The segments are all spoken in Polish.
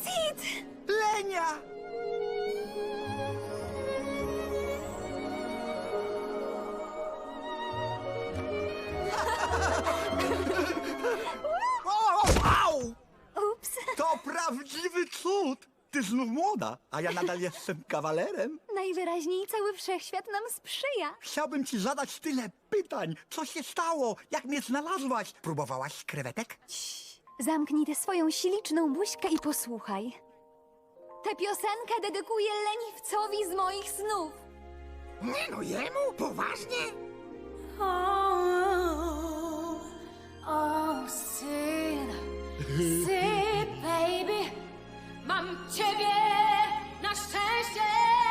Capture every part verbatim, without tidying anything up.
Sid! Lenia! O, au! Ups. To prawdziwy cud! Ty znów młoda, a ja nadal jestem kawalerem. Najwyraźniej cały wszechświat nam sprzyja. Chciałbym ci zadać tyle pytań. Co się stało? Jak mnie znalazłaś? Próbowałaś krewetek? Zamknij tę swoją śliczną buźkę i posłuchaj. Tę piosenkę dedykuję leniwcowi z moich snów. Nie no, jemu? Poważnie? Oh, oh, Sid, Sid, baby, mam ciebie na szczęście.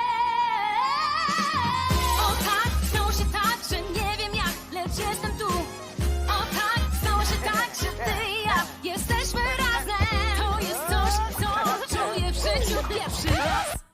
O tak, stało się tak, że nie wiem jak, lecz jestem tu. O tak, stało się tak, że ty i ja jesteśmy razem. To jest coś, co czuję w życiu pierwszy raz.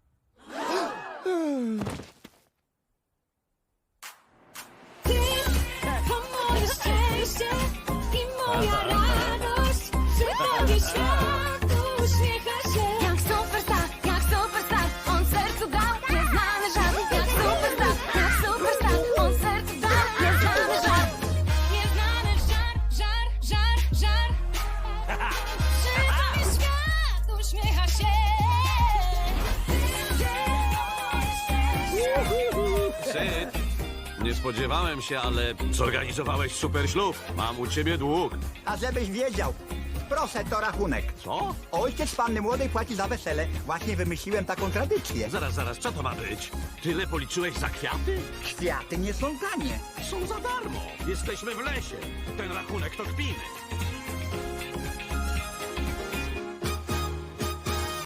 Ty to moje szczęście i moja radość. Przy tobie świat uśmiecha się. Jak superstar, jak superstar, on sercu dał nieznany żart. Jak superstar, jak superstar, on sercu dał nieznany żart. Nieznany żar, żar, żar, żar. Przy tobie świat uśmiecha się. Syd, nie spodziewałem się, ale zorganizowałeś super ślub. Mam u ciebie dług. A żebyś wiedział, proszę, to rachunek. Co? Ojciec panny młodej płaci za wesele. Właśnie wymyśliłem taką tradycję. Zaraz, zaraz, co to ma być? Tyle policzyłeś za kwiaty? Kwiaty nie są tanie. Są za darmo. Jesteśmy w lesie. Ten rachunek to kpiny.